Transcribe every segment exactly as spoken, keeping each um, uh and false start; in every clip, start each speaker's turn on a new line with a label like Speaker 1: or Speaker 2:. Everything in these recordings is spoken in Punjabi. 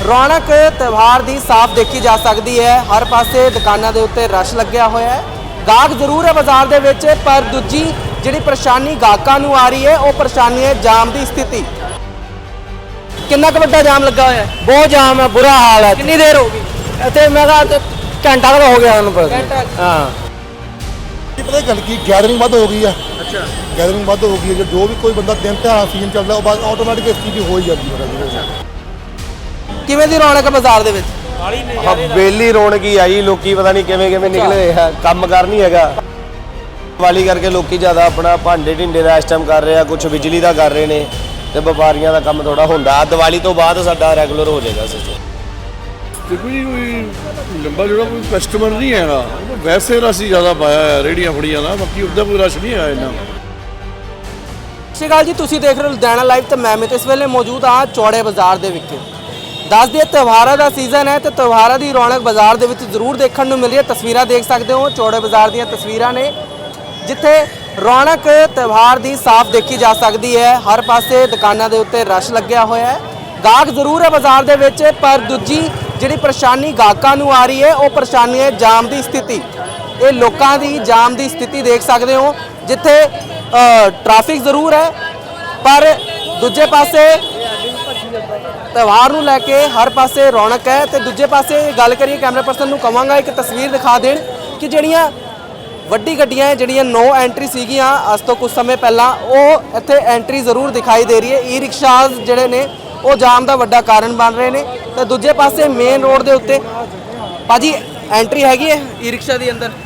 Speaker 1: रौनक त्यौहार की साफ देखी जा सकती है। हर पासे दुकानों के उत्ते रश लग्या होया है। गाहक जरूर है बाजार दे विच, पर दूजी जिहड़ी परेशानी गाहकां नूं आ रही है वो परेशानी है जाम की स्थिति। कितना क वड्डा जाम लगा होया है?
Speaker 2: बहुत जाम है, बुरा हाल है।
Speaker 1: कितनी देर होगी?
Speaker 2: इतने मैं कहा घंटा का हो गया उन्होंने
Speaker 1: घंटा?
Speaker 2: हाँ
Speaker 3: पता गल की गैदरिंग वध हो गई है। अच्छा गैदरिंग वध हो गई है। जो भी कोई बंदा दिन त्योहार सीजन चलता है वो ऑटोमैटिक इस चीज़ हो ही जाती है।
Speaker 1: किवें दी रौनक है बाजार दे विच?
Speaker 4: हवेली रौनक ही आई, लोकी पता नहीं किवें किवें निकले है, काम कर नहीं हैगा। दिवाली करके लोकी ज़्यादा अपना भांडे ढिंडे का इस टाइम कर रहे हैं, कुछ बिजली का कर रहे हैं, तो व्यापारियों का काम थोड़ा होंदा। दिवाली तो बाद साडा रैगूलर हो जाएगा सिस्टम।
Speaker 5: देखो जी कोई लंबा जोड़ा कोई कस्टमर नहीं है ना, वैसे रश ही ज़्यादा पाया है रेहड़ियां फड़ियां ना, बाकी उधर कोई रश नहीं है इन्ना।
Speaker 1: ਸਤਿ ਸ਼੍ਰੀ ਅਕਾਲ ਜੀ, ਤੁਸੀਂ ਦੇਖ ਰਹੇ ਹੋ ਲੁਧਿਆਣਾ ਲਾਈਵ ਤੇ ਮੈਂ ਮਿਤ ਇਸ ਵੇਲੇ ਮੌਜੂਦ ਹਾਂ ਚੌੜੇ ਬਾਜ਼ਾਰ ਦੇ ਵਿਖੇ। ਦੱਸ ਦਈਏ ਤਿਉਹਾਰਾਂ ਦਾ ਸੀਜ਼ਨ ਹੈ ਤੇ ਤਿਉਹਾਰਾਂ ਦੀ ਰੌਣਕ ਬਾਜ਼ਾਰ ਦੇ ਵਿੱਚ ਜ਼ਰੂਰ ਦੇਖਣ ਨੂੰ ਮਿਲ ਰਹੀ ਹੈ। ਤਸਵੀਰਾਂ ਦੇਖ ਸਕਦੇ ਹੋ, ਚੌੜੇ ਬਾਜ਼ਾਰ ਦੀਆਂ ਤਸਵੀਰਾਂ ਨੇ ਜਿੱਥੇ ਰੌਣਕ ਤਿਉਹਾਰ ਦੀ ਸਾਫ਼ ਦੇਖੀ ਜਾ ਸਕਦੀ ਹੈ। ਹਰ ਪਾਸੇ ਦੁਕਾਨਾਂ ਦੇ ਉੱਤੇ ਰਸ਼ ਲੱਗਿਆ ਹੋਇਆ ਹੈ। ਗਾਹਕ ਜ਼ਰੂਰ ਹੈ ਬਾਜ਼ਾਰ ਦੇ ਵਿੱਚ, ਪਰ ਦੂਜੀ ਜਿਹੜੀ ਪਰੇਸ਼ਾਨੀ ਗਾਹਕਾਂ ਨੂੰ ਆ ਰਹੀ ਹੈ ਉਹ ਪਰੇਸ਼ਾਨੀ ਹੈ ਜਾਮ ਦੀ ਸਥਿਤੀ। ਇਹ ਲੋਕਾਂ ਦੀ ਜਾਮ ਦੀ ਸਥਿਤੀ ਦੇਖ ਸਕਦੇ ਹੋ ਜਿੱਥੇ ट्रैफिक जरूर है, पर दूजे पासे त्यौहार नूं लैके हर पासे रौनक है। तो दूजे पासे गल करिए, कैमरा पर्सन नूं कहांगा एक तस्वीर दिखा देण कि जिहड़ियां वड्डी गड्डियां जिहड़ियां नो एंट्री सीगियां अज तो कुछ समय पहला वो इत्थे एंट्री जरूर दिखाई दे रही है। ई रिक्शाज जिहड़े ने वो जाम दा वड्डा कारण बन रहे हैं। तो दूजे पासे मेन रोड दे उत्ते भाजी एंट्री हैगी है ई रिक्शा दी अंदर?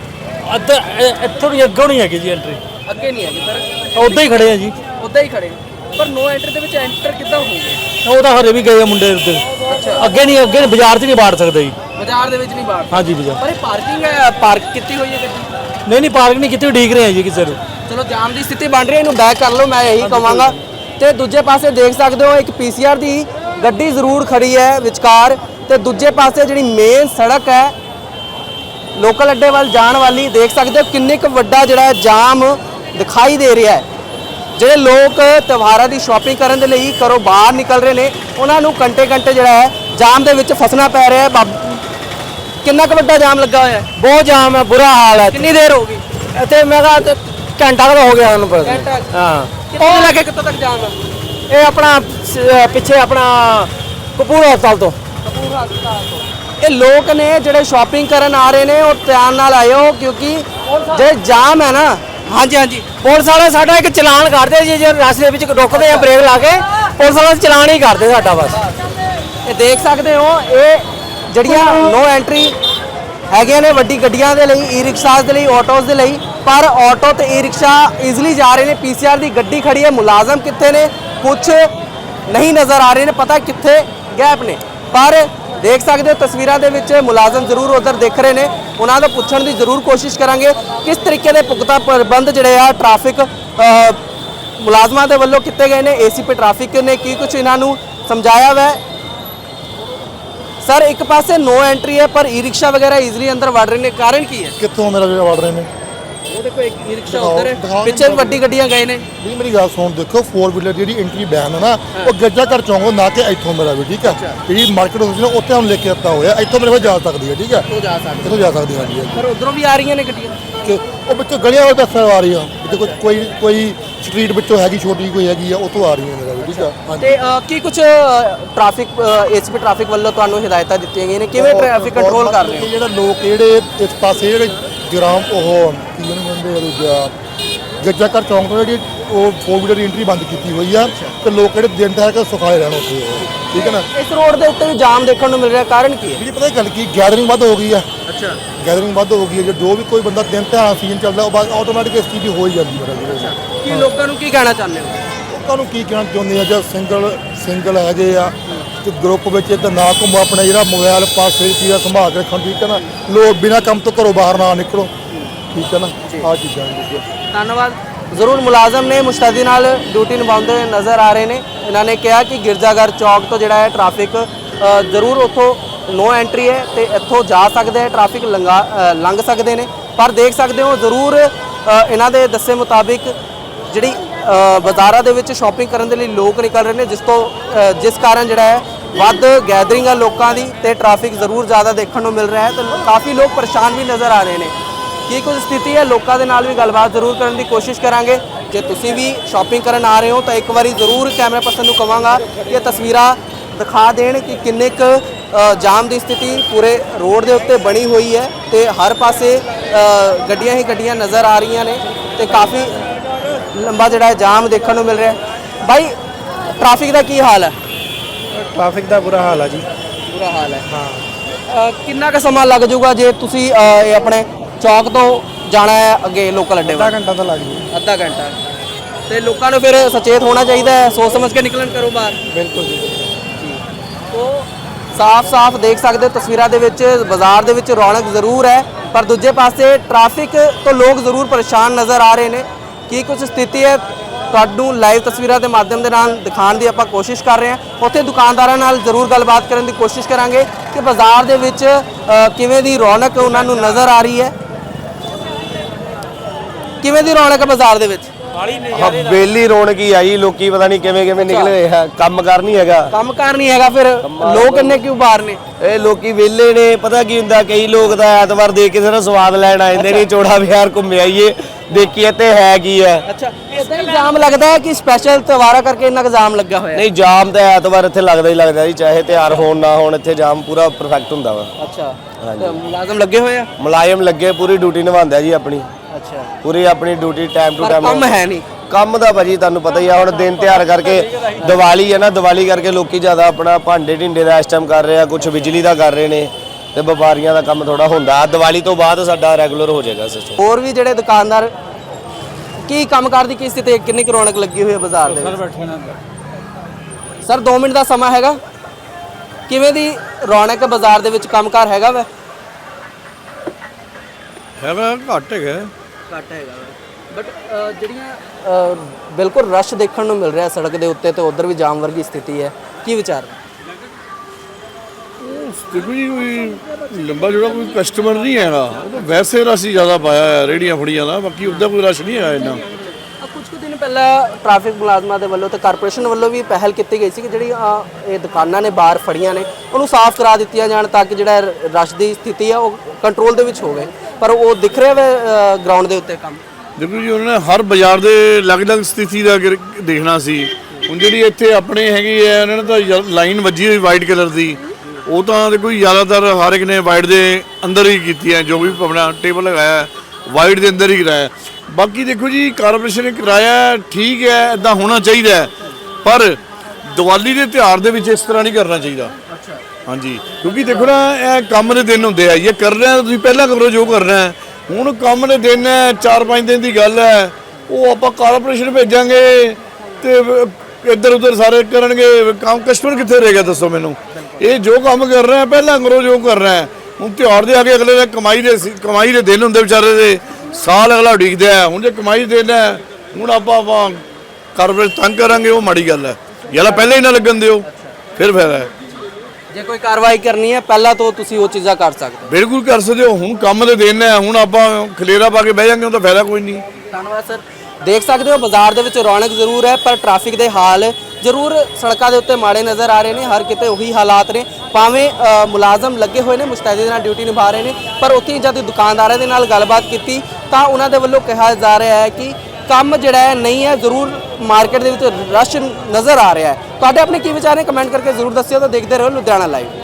Speaker 2: इतों नहीं अगों नहीं हैगी जी एंट्री,
Speaker 1: ਅੱਗੇ ਨਹੀਂ ਹੈਗੀ ਸਰ,
Speaker 2: उदा ही खड़े हैं जी।
Speaker 1: ਉੱਦਾਂ ਹੀ ਖੜੇ ਪਰ ਨੋ ਐਂਟਰੀ ਦੇ ਵਿੱਚ ਐਂਟਰ ਕਿੱਦਾਂ ਹੋਊਗੇ?
Speaker 2: वो तो हरे भी गए मुंडे उधर अगे नहीं, अगे बाजार च नहीं बाड़ सकते जी।
Speaker 1: ਬਾਜ਼ਾਰ ਦੇ ਵਿੱਚ ਨਹੀਂ ਬਾਹਰ?
Speaker 2: हाँ जी बाजार
Speaker 1: ਪਰ ਇਹ ਪਾਰਕਿੰਗ ਹੈ, ਪਾਰਕ ਕੀਤੀ ਹੋਈ ਹੈ ਗੱਡੀ?
Speaker 2: नहीं नहीं पार्क नहीं कितने उड़ीक रहे हैं जी किसी
Speaker 1: ਚਲੋ ਜਾਮ ਦੀ ਸਥਿਤੀ ਬਣ ਰਹੀ ਹੈ, ਇਹਨੂੰ ਬੈਕ ਕਰ ਲਓ, ਮੈਂ ਇਹੀ ਕਹਾਂਗਾ। ਤੇ ਦੂਜੇ ਪਾਸੇ ਦੇਖ ਸਕਦੇ ਹੋ ਇੱਕ ਪੀਸੀਆਰ ਦੀ ਗੱਡੀ ਜ਼ਰੂਰ ਖੜੀ ਹੈ ਵਿਚਕਾਰ, ਤੇ ਦੂਜੇ ਪਾਸੇ ਜਿਹੜੀ ਮੇਨ ਸੜਕ ਹੈ ਲੋਕਲ ਅੱਡੇ ਵੱਲ ਜਾਣ ਵਾਲੀ ਦੇਖ ਸਕਦੇ ਹੋ ਕਿੰਨੇ ਕੁ ਵੱਡਾ ਜਿਹੜਾ ਜਾਮ ਦਿਖਾਈ ਦੇ ਰਿਹਾ ਹੈ। ਜਿਹੜੇ ਲੋਕ ਤਿਉਹਾਰਾਂ ਦੀ ਸ਼ਾਪਿੰਗ ਕਰਨ ਦੇ ਲਈ ਘਰੋਂ ਬਾਹਰ ਨਿਕਲ ਰਹੇ ਨੇ ਉਹਨਾਂ ਨੂੰ ਘੰਟੇ ਘੰਟੇ ਜਿਹੜਾ ਹੈ ਜਾਮ ਦੇ ਵਿੱਚ ਫਸਣਾ ਪੈ ਰਿਹਾ ਹੈ। ਕਿੰਨਾ ਕੁ ਵੱਡਾ ਜਾਮ ਲੱਗਾ ਹੋਇਆ ਹੈ?
Speaker 2: बहुत जाम है, बुरा हाल है।
Speaker 1: ਕਿੰਨੀ ਦੇਰ ਹੋ ਗਈ?
Speaker 2: इतने मैं कहा घंटा का हो गया उन्होंने
Speaker 1: घंटा?
Speaker 2: हाँ
Speaker 1: ਕਿੱਥੋਂ ਲੈ ਕੇ ਕਿੱਥੋਂ ਤੱਕ ਜਾਮ ਹੈ?
Speaker 2: ये अपना स- पिछे अपना कपूर अस्पताल तो
Speaker 1: ਕਪੂਰ ਹਸਪਤਾਲ ਤੋਂ। ਇਹ ਲੋਕ ਨੇ ਜਿਹੜੇ ਸ਼ਾਪਿੰਗ ਕਰਨ ਆ ਰਹੇ ਨੇ ਉਹ ਧਿਆਨ ਨਾਲ ਆਇਓ, ਕਿਉਂਕਿ ਜੇ ਜਾਮ ਹੈ ਨਾ। ਹਾਂਜੀ ਹਾਂਜੀ,
Speaker 2: पुलिस वाले साडा एक चलान करते जी, जो रास्ते ਵਿੱਚ ਰੁਕਦੇ ਆ ਬ੍ਰੇਕ ਲਾ ਕੇ ਪੁਲਿਸ ਵਾਲੇ ਚਲਾਨ ਹੀ ਕਰਦੇ ਸਾਡਾ ਬਸ।
Speaker 1: ਇਹ ਦੇਖ ਸਕਦੇ ਹੋ ਇਹ ਜਿਹੜੀਆਂ ਨੋ ਐਂਟਰੀ ਹੈਗੀਆਂ ਨੇ ਵੱਡੀ ਗੱਡੀਆਂ ਦੇ ਲਈ, ਈ ਰਿਕਸ਼ਾਸ ਦੇ ਲਈ, ਆਟੋਸ ਦੇ ਲਈ, ਪਰ ਆਟੋ ਤੇ ਈ ਰਿਕਸ਼ਾ ਈਜ਼ੀਲੀ ਜਾ ਰਹੇ ਨੇ। ਪੀਸੀਆਰ ਦੀ ਗੱਡੀ ਖੜੀ ਹੈ, ਮੁਲਾਜ਼ਮ ਕਿੱਥੇ ਨੇ ਕੁਝ ਨਹੀਂ ਨਜ਼ਰ ਆ ਰਹੇ ਨੇ, ਪਤਾ ਕਿੱਥੇ ਗੈਪ ਨੇ। ਪਰ ਦੇਖ ਸਕਦੇ ਹੋ ਤਸਵੀਰਾਂ ਦੇ ਵਿੱਚ ਮੁਲਾਜ਼ਮ ਜ਼ਰੂਰ ਉਧਰ ਦਿਖ ਰਹੇ ਨੇ, ਉਹਨਾਂ ਤੋਂ ਪੁੱਛਣ ਦੀ ਜ਼ਰੂਰ ਕੋਸ਼ਿਸ਼ ਕਰਾਂਗੇ ਕਿਸ ਤਰੀਕੇ ਦੇ ਪੁਖਤਾ ਪ੍ਰਬੰਧ ਜਿਹੜੇ ਆ ਟ੍ਰੈਫਿਕ ਮੁਲਾਜ਼ਮਾਂ ਦੇ ਵੱਲੋਂ ਕੀਤੇ ਗਏ ਨੇ। ਏਸੀਪੀ ਟ੍ਰੈਫਿਕ ਨੇ ਕੀ ਕੁਝ ਇਹਨਾਂ ਨੂੰ ਸਮਝਾਇਆ ਵਾ? ਸਰ ਇੱਕ ਪਾਸੇ ਨੋ ਐਂਟਰੀ ਹੈ ਪਰ ਈ ਰਿਕਸ਼ਾ ਵਗੈਰਾ ਈਜ਼ੀਲੀ ਅੰਦਰ ਵੜ ਰਹੇ ਨੇ, ਕਾਰਨ ਕੀ ਹੈ?
Speaker 3: ਕਿੱਥੋਂ ਮੇਰਾ ਜਿਹੜਾ ਵੜ ਰਹੇ ਨੇ?
Speaker 1: ਉਹ ਦੇਖੋ ਇੱਕ ਈ ਰਿਕਸ਼ਾ ਉਧਰ ਹੈ, ਪਿੱਛੇ ਵੀ ਵੱਡੀ ਗੱਡੀਆਂ ਗਏ ਨੇ।
Speaker 3: ਵੀ ਮੇਰੀ ਗੱਲ ਸੁਣ, ਦੇਖੋ ਫੋਰ ਵੀਲਰ ਜਿਹੜੀ ਐਂਟਰੀ ਬੈਨ ਹੈ ਨਾ ਉਹ ਗੱਜਾ ਘਰ ਚੌਂਕੋ ਨਾ ਕਿ ਇੱਥੋਂ ਮੇਰਾ ਵੀ, ਠੀਕ ਹੈ। ਜਿਹੜੀ ਮਾਰਕੀਟ ਹੁੰਦੀ ਨਾ ਉੱਥੇ ਹੁਣ ਲੈ ਕੇ ਦਿੱਤਾ ਹੋਇਆ, ਇੱਥੋਂ ਮੇਰੇ ਕੋਲ ਜਾ ਸਕਦੀ ਹੈ, ਠੀਕ ਹੈ।
Speaker 1: ਉਹ ਜਾ ਸਕਦੇ
Speaker 3: ਇੱਥੋਂ ਜਾ ਸਕਦੀ ਹੈ ਜੀ।
Speaker 1: ਪਰ ਉਧਰੋਂ ਵੀ ਆ ਰਹੀਆਂ ਨੇ ਗੱਡੀਆਂ
Speaker 3: ਕਿ ਉਹ ਵਿੱਚੋਂ ਗਲੀਆਂ ਵਿੱਚ ਦੱਸਣ ਆ ਰਹੀਆਂ, ਵਿੱਚ ਕੋਈ ਕੋਈ ਕੋਈ ਸਟਰੀਟ ਵਿੱਚੋਂ ਹੈਗੀ ਛੋਟੀ ਕੋਈ ਹੈਗੀ ਆ ਉੱਥੋਂ ਆ ਰਹੀਆਂ ਮੇਰਾ ਵੀ, ਠੀਕ ਹੈ। ਹਾਂਜੀ
Speaker 1: ਤੇ ਅ, ਕੀ ਕੁਝ ਟ੍ਰੈਫਿਕ ਏਸੀਪੀ ਟ੍ਰੈਫਿਕ ਵੱਲੋਂ ਤੁਹਾਨੂੰ ਹਦਾਇਤਾਂ ਦਿੱਤੀਆਂ ਗਈਆਂ ਨੇ, ਕਿਵੇਂ ਟ੍ਰੈਫਿਕ ਕੰਟਰੋਲ ਕਰ ਰਹੇ ਹੋ?
Speaker 3: ਜਿਹੜੇ ਲੋਕ ਜਿਹੜੇ ਇਸ ਪਾਸੇ ਜਿਹੜੇ ਗ੍ਰਾਮ ਉਹ ਕੀ ਉਹਨੂੰ ਕਹਿੰਦੇ ਆ ਦੂਜਾ ਗੱਜਾ ਘਰ ਚੌਂਕ ਤੋਂ ਜਿਹੜੀ ਉਹ ਫੋਰ ਵੀਲਰ ਦੀ ਐਂਟਰੀ ਬੰਦ ਕੀਤੀ ਹੋਈ ਆ, ਤੇ ਲੋਕ ਜਿਹੜੇ ਦਿਨ ਠਹਿਰ ਕੇ ਸੁਖਾਏ ਰਹਿਣ ਉੱਥੇ, ਠੀਕ ਹੈ ਨਾ।
Speaker 1: ਇਸ ਰੋਡ ਦੇ ਉੱਤੇ ਵੀ ਜਾਮ ਦੇਖਣ ਨੂੰ ਮਿਲ ਰਿਹਾ, ਕਾਰਨ ਕੀ ਹੈ?
Speaker 3: ਵੀ ਪਤਾ ਗੱਲ ਕੀ ਗੈਦਰਿੰਗ ਵੱਧ ਹੋ ਗਈ ਆ। ਅੱਛਾ ਗੈਦਰਿੰਗ ਵੱਧ ਹੋ ਗਈ ਹੈ। ਜੋ ਵੀ ਕੋਈ ਬੰਦਾ ਦਿਨ ਤਿਉਹਾਰ ਸੀਜ਼ਨ ਚੱਲਦਾ ਉਹ ਬਾਅਦ ਆਟੋਮੈਟਿਕ ਇਸ ਚੀਜ਼ ਦੀ ਹੋ ਹੀ ਜਾਂਦੀ ਮੇਰਾ ਵੀਰੇ।
Speaker 1: ਕੀ ਲੋਕਾਂ ਨੂੰ ਕੀ ਕਹਿਣਾ ਚਾਹੁੰਦੇ ਹੋ?
Speaker 3: ਲੋਕਾਂ ਨੂੰ ਕੀ ਕਹਿਣਾ ਚਾਹੁੰਦੇ ਆ, ਜਦ ਸਿੰਗਲ ਸਿੰਗਲ ਹੈਗੇ ਆ ਤੇ ਗਰੁੱਪ ਵਿੱਚ ਇੱਦਾਂ ਨਾ ਘੁੰਮੋ, ਆਪਣਾ ਜਿਹੜਾ ਮੋਬਾਈਲ ਪਾਸੇ ਚੀਜ਼ਾਂ ਸੰਭਾਲ ਕੇ ਰੱਖਣ, ਠੀਕ ਹੈ ਨਾ। ਲੋਕ ਬਿਨਾਂ ਕੰਮ ਤੋਂ ਘਰੋਂ ਬਾਹਰ ਨਾ ਨਿਕਲੋ, ਠੀਕ ਹੈ ਨਾ। ਆਹ ਚੀਜ਼ਾਂ ਨੇ।
Speaker 1: ਧੰਨਵਾਦ। ਜ਼ਰੂਰ ਮੁਲਾਜ਼ਮ ਨੇ ਮੁਸ਼ਤੈਦੀ ਨਾਲ ਡਿਊਟੀ ਨਿਭਾਉਂਦੇ ਹੋਏ ਨਜ਼ਰ ਆ ਰਹੇ ਨੇ। ਇਹਨਾਂ ਨੇ ਕਿਹਾ ਕਿ ਗਿਰਜਾਘਰ ਚੌਕ ਤੋਂ ਜਿਹੜਾ ਹੈ ਟ੍ਰੈਫਿਕ ਜ਼ਰੂਰ ਉੱਥੋਂ ਨੋ ਐਂਟਰੀ ਹੈ ਤੇ ਇੱਥੋਂ ਜਾ ਸਕਦੇ ਹੈ, ਟ੍ਰੈਫਿਕ ਲੰਘਾ ਲੰਘ ਸਕਦੇ ਨੇ। ਪਰ ਦੇਖ ਸਕਦੇ ਹੋ ਜ਼ਰੂਰ ਇਹਨਾਂ ਦੇ ਦੱਸੇ ਮੁਤਾਬਿਕ ਜਿਹੜੀ ਬਾਜ਼ਾਰਾਂ ਦੇ ਵਿੱਚ ਸ਼ਾਪਿੰਗ ਕਰਨ ਦੇ ਲਈ ਲੋਕ ਨਿਕਲ ਰਹੇ ਨੇ, ਜਿਸ ਤੋਂ ਜਿਸ ਕਾਰਨ ਜਿਹੜਾ ਹੈ ਵੱਧ ਗੈਦਰਿੰਗ ਆ ਲੋਕਾਂ ਦੀ ਤੇ ਟ੍ਰੈਫਿਕ ਜ਼ਰੂਰ ਜ਼ਿਆਦਾ ਦੇਖਣ ਨੂੰ ਮਿਲ ਰਿਹਾ ਹੈ ਤੇ ਕਾਫੀ ਲੋਕ ਪਰੇਸ਼ਾਨ ਵੀ ਨਜ਼ਰ ਆ ਰਹੇ ਨੇ। ਕੀ ਕੁਝ ਸਥਿਤੀ ਹੈ ਲੋਕਾਂ ਦੇ ਨਾਲ ਵੀ ਗੱਲਬਾਤ ਜ਼ਰੂਰ ਕਰਨ ਦੀ ਕੋਸ਼ਿਸ਼ ਕਰਾਂਗੇ। ਜੇ ਤੁਸੀਂ ਵੀ ਸ਼ਾਪਿੰਗ ਕਰਨ ਆ ਰਹੇ ਹੋ ਤਾਂ ਇੱਕ ਵਾਰੀ ਜ਼ਰੂਰ ਕੈਮਰਾ ਪਰਸਨ ਨੂੰ ਕਹਾਂਗਾ ਕਿ ਇਹ ਤਸਵੀਰਾਂ ਦਿਖਾ ਦੇਣ ਕਿ ਕਿੰਨੇ ਕੁ ਅ, ਜਾਮ ਦੀ ਸਥਿਤੀ ਪੂਰੇ ਰੋਡ ਦੇ ਉੱਤੇ ਬਣੀ ਹੋਈ ਹੈ ਤੇ ਹਰ ਪਾਸੇ ਅ, ਗੱਡੀਆਂ ਹੀ ਗੱਡੀਆਂ ਨਜ਼ਰ ਆ ਰਹੀਆਂ ਨੇ ਤੇ ਕਾਫੀ ਲੰਬਾ ਜਿਹੜਾ ਹੈ ਜਾਮ ਦੇਖਣ ਨੂੰ ਮਿਲ ਰਿਹਾ ਹੈ। ਬਾਈ ਟ੍ਰੈਫਿਕ ਦਾ ਕੀ ਹਾਲ ਹੈ?
Speaker 6: ਟ੍ਰੈਫਿਕ ਦਾ ਬੁਰਾ ਹਾਲ ਆ ਜੀ।
Speaker 1: ਬੁਰਾ ਹਾਲ ਹੈ ਹਾਂ। ਕਿੰਨਾ ਕੁ ਸਮਾਂ ਲੱਗ ਜਾਊਗਾ ਜੇ ਤੁਸੀਂ ਅ, ਇਹ ਆਪਣੇ ਚੌਕ ਤੋਂ ਜਾਣਾ ਹੈ ਅੱਗੇ ਲੋਕਲ ਅੱਡੇ
Speaker 6: ਅੱਧਾ
Speaker 1: ਵੱਲ?
Speaker 6: ਘੰਟਾ ਤਾਂ ਲੱਗ ਜੂ।
Speaker 1: ਅੱਧਾ ਘੰਟਾ। ਤੇ ਲੋਕਾਂ ਨੂੰ ਫਿਰ ਸੁਚੇਤ ਹੋਣਾ ਚਾਹੀਦਾ ਹੈ, ਸੋਚ ਸਮਝ ਕੇ ਨਿਕਲਣ ਕਰੋ ਬਾਹਰ।
Speaker 6: ਬਿਲਕੁਲ ਜੀ।
Speaker 1: ਤੋ ਸਾਫ਼-ਸਾਫ਼ ਦੇਖ ਸਕਦੇ ਹੋ ਤਸਵੀਰਾਂ ਦੇ ਵਿੱਚ ਬਾਜ਼ਾਰ ਦੇ ਵਿੱਚ ਰੌਣਕ ਜ਼ਰੂਰ ਹੈ ਪਰ ਦੂਜੇ ਪਾਸੇ ਟ੍ਰੈਫਿਕ ਤੋਂ ਲੋਕ ਜ਼ਰੂਰ ਪਰੇਸ਼ਾਨ ਨਜ਼ਰ ਆ ਰਹੇ ਨੇ। ਕੀ ਕੁਝ ਸਥਿਤੀ ਹੈ ਤੁਹਾਨੂੰ ਲਾਈਵ ਤਸਵੀਰਾਂ ਦੇ ਮਾਧਿਅਮ ਦੇ ਨਾਲ ਦਿਖਾਉਣ ਦੀ ਆਪਾਂ ਕੋਸ਼ਿਸ਼ ਕਰ ਰਹੇ ਹਾਂ। ਉੱਥੇ ਦੁਕਾਨਦਾਰਾਂ ਨਾਲ ਜ਼ਰੂਰ ਗੱਲਬਾਤ ਕਰਨ ਦੀ ਕੋਸ਼ਿਸ਼ ਕਰਾਂਗੇ ਕਿ ਬਾਜ਼ਾਰ ਦੇ ਵਿੱਚ ਅ, ਕਿਵੇਂ ਦੀ ਰੌਣਕ ਉਹਨਾਂ ਨੂੰ ਨਜ਼ਰ ਆ ਰਹੀ ਹੈ। ਕਿਵੇਂ ਦੀ ਰੌਣਕ ਹੈ ਬਾਜ਼ਾਰ ਦੇ ਵਿੱਚ?
Speaker 4: ਬੇਲੀ ਰੌਣਕ ਹੀ ਆਈ, ਲੋਕੀ ਪਤਾ ਨਹੀਂ ਕਿਵੇਂ ਕਿਵੇਂ ਨਿਕਲੇ ਹੋਏ ਆ, ਕੰਮ ਕਾਰ ਨਹੀਂ ਹੈਗਾ।
Speaker 1: ਕੰਮਕਾਰ ਨਹੀਂ ਹੈਗਾ ਫਿਰ ਲੋਕ ਇੰਨੇ ਕਿਉਂ ਬਾਹਰ ਨੇ?
Speaker 4: ਇਹ ਲੋਕੀ ਵਿਹਲੇ ਨੇ, ਪਤਾ ਕੀ ਹੁੰਦਾ ਕਈ ਲੋਕ ਤਾਂ ਐਤਵਾਰ ਦੇ ਕੇ ਸਿਰਫ ਸਵਾਦ ਲੈਣ ਆ ਜਾਂਦੇ ਨੇ, ਚੋੜਾ ਵਿਹਾਰ ਘੁੰਮ ਆਈਏ ਦੇਖੀਏ ਤੇ ਹੈ ਕੀ ਹੈ।
Speaker 1: ਅੱਛਾ ਇਦਾਂ ਹੀ ਜਾਮ ਲੱਗਦਾ ਹੈ ਕਿ ਸਪੈਸ਼ਲ ਤਿਉਹਾਰਾਂ ਕਰਕੇ ਇੰਨਾ ਕੁ ਜਾਮ ਲੱਗਾ ਹੋਇਆ ਹੈ?
Speaker 4: ਨਹੀਂ ਜਾਮ ਤਾਂ ਐਤਵਾਰ ਇੱਥੇ ਲੱਗਦਾ ਹੀ ਲੱਗਦਾ ਜੀ, ਚਾਹੇ ਤਿਉਹਾਰ ਹੋਣ ਨਾ ਹੋਣ ਇੱਥੇ ਜਾਮ ਪੂਰਾ ਪਰਫੈਕਟ ਹੁੰਦਾ ਵਾ।
Speaker 1: ਅੱਛਾ ਤੇ ਮੁਲਾਜ਼ਮ ਲੱਗੇ ਹੋਏ ਆ?
Speaker 4: ਮੁਲਾਜ਼ਮ ਲੱਗੇ, ਪੂਰੀ ਡਿਊਟੀ ਨਿਭਾਉਂਦਾ ਜੀ ਆਪਣੀ,
Speaker 1: ਅੱਛਾ
Speaker 4: ਪੂਰੀ ਆਪਣੀ ਡਿਊਟੀ ਟਾਈਮ ਟੂ
Speaker 1: ਪਰ
Speaker 4: ਟਾਈਮ।
Speaker 1: ਕੰਮ ਹੈ ਨਹੀਂ।
Speaker 4: ਕੰਮ ਦਾ ਭਾਜੀ ਤੁਹਾਨੂੰ ਪਤਾ ਹੀ ਆ, ਹੁਣ ਦਿਨ ਤਿਉਹਾਰ ਕਰਕੇ ਦੀਵਾਲੀ ਹੈ ਨਾ, ਦੀਵਾਲੀ ਕਰਕੇ ਲੋਕੀ ਜ਼ਿਆਦਾ ਆਪਣਾ ਭਾਂਡੇ ਢਿੰਡੇ ਦਾ ਇਸ ਟਾਈਮ ਕਰ ਰਹੇ ਆ, ਕੁਝ ਬਿਜਲੀ ਦਾ ਕਰ ਰਹੇ ਨੇ ਤੇ ਵਪਾਰੀਆਂ ਦਾ ਕੰਮ ਥੋੜਾ ਹੁੰਦਾ। ਦੀਵਾਲੀ ਤੋਂ ਬਾਅਦ ਸਾਡਾ ਰੈਗੂਲਰ ਹੋ ਜਾਏਗਾ ਸਿਸਟਮ।
Speaker 1: ਹੋਰ ਵੀ ਜਿਹੜੇ ਦੁਕਾਨਦਾਰ ਕੀ ਕੰਮਕਾਰ ਦੀ ਕੀ ਸਥਿਤੀ ਹੈ? ਕਿੰਨੀ ਕੁ ਰੌਣਕ ਲੱਗੀ ਹੋਈ ਹੈ ਬਾਜ਼ਾਰ ਦੇ ਵਿੱਚ?
Speaker 6: ਬੈਠੇ ਨਾ
Speaker 1: ਸਰ ਦੋ ਮਿੰਟ ਦਾ ਸਮਾਂ ਹੈਗਾ? ਕਿਵੇਂ ਦੀ ਰੌਣਕ ਹੈ ਬਾਜ਼ਾਰ ਦੇ ਵਿੱਚ? ਕੰਮਕਾਰ ਹੈਗਾ ਵਾ?
Speaker 5: ਹੈਗਾ ਘੱਟ ਹੈਗਾ।
Speaker 1: ਘੱਟ ਹੈਗਾ ਬਟ ਜਿਹੜੀਆਂ ਬਿਲਕੁਲ ਰਸ਼ ਦੇਖਣ ਨੂੰ ਮਿਲ ਰਿਹਾ ਸੜਕ ਦੇ ਉੱਤੇ ਤੇ ਉਧਰ ਵੀ ਜਾਮ ਵਰਗੀ ਸਥਿਤੀ ਹੈ, ਕੀ ਵਿਚਾਰ?
Speaker 5: ਦੇਖੋ ਜੀ ਕੋਈ ਲੰਬਾ ਜਿਹੜਾ ਕੋਈ ਕਸਟਮਰ ਨਹੀਂ ਹੈਗਾ, ਉਹ ਤਾਂ ਵੈਸੇ ਰਸ਼ ਹੀ ਜ਼ਿਆਦਾ ਪਾਇਆ ਹੈ ਰੇੜੀਆਂ ਫੜੀਆਂ ਦਾ, ਬਾਕੀ ਉੱਦਾਂ ਕੋਈ ਰਸ਼ ਨਹੀਂ ਹੈ ਇੰਨਾ।
Speaker 1: ਕੁਝ ਕੁ ਦਿਨ ਪਹਿਲਾਂ ਟ੍ਰੈਫਿਕ ਮੁਲਾਜ਼ਮਾਂ ਦੇ ਵੱਲੋਂ ਤੇ ਕਾਰਪੋਰੇਸ਼ਨ ਵੱਲੋਂ ਵੀ ਪਹਿਲ ਕੀਤੀ ਗਈ ਸੀ ਕਿ ਜਿਹੜੀ ਅ, ਇਹ ਦੁਕਾਨਾਂ ਨੇ ਬਾਹਰ ਫੜੀਆਂ ਨੇ ਉਹਨੂੰ ਸਾਫ਼ ਕਰਾ ਦਿੱਤੀਆਂ ਜਾਣ ਤਾਂ ਕਿ ਜਿਹੜਾ ਰਸ਼ ਦੀ ਸਥਿਤੀ ਹੈ ਉਹ ਕੰਟਰੋਲ ਦੇ ਵਿੱਚ ਹੋਵੇ, ਪਰ ਉਹ ਦਿਖ ਰਿਹਾ ਵੇ ਗਰਾਊਂਡ ਦੇ ਉੱਤੇ ਕੰਮ?
Speaker 5: ਦੇਖੋ ਜੀ ਉਹਨਾਂ ਨੇ ਹਰ ਬਾਜ਼ਾਰ ਦੇ ਅਲੱਗ-ਅਲੱਗ ਸਥਿਤੀ ਦਾ ਗਿਰ- ਦੇਖਣਾ ਸੀ। ਹੁਣ ਜਿਹੜੀ ਇੱਥੇ ਆਪਣੇ ਹੈਗੀ ਹੈ ਉਹਨਾਂ ਨੇ ਤਾਂ ਲਾਈਨ ਵੱਜੀ ਹੋਈ ਵਾਈਟ ਕਲਰ ਦੀ, ਉਹ ਤਾਂ ਦੇਖੋ ਜੀ ਜ਼ਿਆਦਾਤਰ ਹਰ ਇੱਕ ਨੇ ਵਾਈਟ ਦੇ ਅੰਦਰ ਹੀ ਕੀਤੀ ਹੈ, ਜੋ ਵੀ ਆਪਣਾ ਟੇਬਲ ਲਗਾਇਆ ਵਾਈਟ ਦੇ ਅੰਦਰ ਹੀ ਕਰਾਇਆ। ਬਾਕੀ ਦੇਖੋ ਜੀ ਕਾਰਪੋਰੇਸ਼ਨ ਨੇ ਕਰਾਇਆ ਠੀਕ ਹੈ, ਇਦਾਂ ਹੋਣਾ ਚਾਹੀਦਾ ਹੈ, ਪਰ ਦੀਵਾਲੀ ਦੇ ਤਿਉਹਾਰ ਦੇ ਵਿੱਚ ਇਸ ਤਰ੍ਹਾਂ ਨਹੀਂ ਕਰਨਾ ਚਾਹੀਦਾ। ਹਾਂਜੀ ਕਿਉਂਕਿ ਦੇਖੋ ਨਾ ਇਹ ਕੰਮ ਦੇ ਦਿਨ ਹੁੰਦੇ ਆ, ਇਹ ਕਰਨਾ ਤੁਸੀਂ ਪਹਿਲਾਂ ਕਰੋ ਜੋ ਕਰਨਾ ਹੈ। ਹੁਣ ਕੰਮ ਦੇ ਦਿਨ ਹੈ, ਚਾਰ ਪੰਜ ਦਿਨ ਦੀ ਗੱਲ ਹੈ, ਉਹ ਆਪਾਂ ਕਾਰਪੋਰੇਸ਼ਨ ਭੇਜਾਂਗੇ ਤੇ ਇੱਧਰ ਉੱਧਰ ਸਾਰੇ ਕਰਨਗੇ, ਕੰਮ ਕਸਟਮਰ ਕਿੱਥੇ ਰਹੇਗਾ ਦੱਸੋ ਮੈਨੂੰ? ਇਹ ਜੋ ਕੰਮ ਕਰ ਰਹੇ ਆ ਪਹਿਲਾਂ ਕਰੋ ਜੋ ਕਰ ਰਹੇ ਆ। ਹੁਣ ਤਿਉਹਾਰ ਦੇ ਅੱਗੇ ਅਗਲੇ ਦੇ ਕਮਾਈ ਦੇ ਕਮਾਈ ਦੇ ਦਿਨ ਹੁੰਦੇ ਵਿਚਾਰੇ ਦੇ, ਸਾਲ ਅਗਲਾ ਉਡੀਕਦਾ ਹੈ। ਹੁਣ ਜੇ ਕਮਾਈ ਦੇ ਦਿਨ ਹੈ, ਹੁਣ ਆਪਾਂ ਆਪਾਂ ਕਾਰਪੋਰੇਸ਼ਨ ਤੰਗ ਕਰਾਂਗੇ, ਉਹ ਮਾੜੀ ਗੱਲ ਹੈ। ਯਾਲਾ ਪਹਿਲਾਂ ਹੀ ਨਾ ਲੱਗਣ ਦਿਓ, ਫਿਰ ਫਾਇਦਾ ਹੈ।
Speaker 1: ਜੇ ਕੋਈ ਕਾਰਵਾਈ ਕਰਨੀ ਹੈ ਪਹਿਲਾਂ ਤੋਂ ਤੁਸੀਂ ਉਹ ਚੀਜ਼ਾਂ ਕਰ ਸਕਦੇ ਹੋ?
Speaker 5: ਬਿਲਕੁਲ ਕਰ ਸਕਦੇ ਹੋ। ਹੁਣ ਕੰਮ ਦੇ ਦਿਨ ਹੈ, ਹੁਣ ਆਪਾਂ ਖਲੇਰਾ ਪਾ ਕੇ ਬਹਿ ਜਾਂਗੇ, ਉਹਦਾ ਫਾਇਦਾ ਕੋਈ ਨਹੀਂ।
Speaker 1: ਧੰਨਵਾਦ ਸਰ। ਦੇਖ ਸਕਦੇ ਹੋ ਬਾਜ਼ਾਰ ਦੇ ਵਿੱਚ ਰੌਣਕ ਜ਼ਰੂਰ ਹੈ ਪਰ ਟ੍ਰੈਫਿਕ ਦੇ ਹਾਲ ਜ਼ਰੂਰ ਸੜਕਾਂ ਦੇ ਉੱਤੇ ਮਾੜੇ ਨਜ਼ਰ ਆ ਰਹੇ ਨੇ। ਹਰ ਕਿਤੇ ਉਹੀ ਹਾਲਾਤ ਨੇ, ਭਾਵੇਂ ਅ, ਮੁਲਾਜ਼ਮ ਲੱਗੇ ਹੋਏ ਨੇ, ਮੁਸਤੈਦੀ ਦੇ ਨਾਲ ਡਿਊਟੀ ਨਿਭਾ ਰਹੇ ਨੇ, ਪਰ ਉੱਥੇ ਜਦ ਦੁਕਾਨਦਾਰਾਂ ਦੇ ਨਾਲ ਗੱਲਬਾਤ ਕੀਤੀ ਤਾਂ ਉਹਨਾਂ ਦੇ ਵੱਲੋਂ ਕਿਹਾ ਜਾ ਰਿਹਾ ਹੈ ਕਿ ਕੰਮ ਜਿਹੜਾ ਹੈ ਨਹੀਂ ਹੈ, ਜ਼ਰੂਰ ਮਾਰਕੀਟ ਦੇ ਵਿੱਚ ਰਸ਼ ਨਜ਼ਰ ਆ ਰਿਹਾ ਹੈ। ਤੁਹਾਡੇ ਆਪਣੇ ਕੀ ਵਿਚਾਰ ਨੇ? ਕਮੈਂਟ ਕਰਕੇ ਜ਼ਰੂਰ ਦੱਸਿਓ। ਤਾਂ ਦੇਖਦੇ ਰਹੋ ਲੁਧਿਆਣਾ ਲਾਈਵ।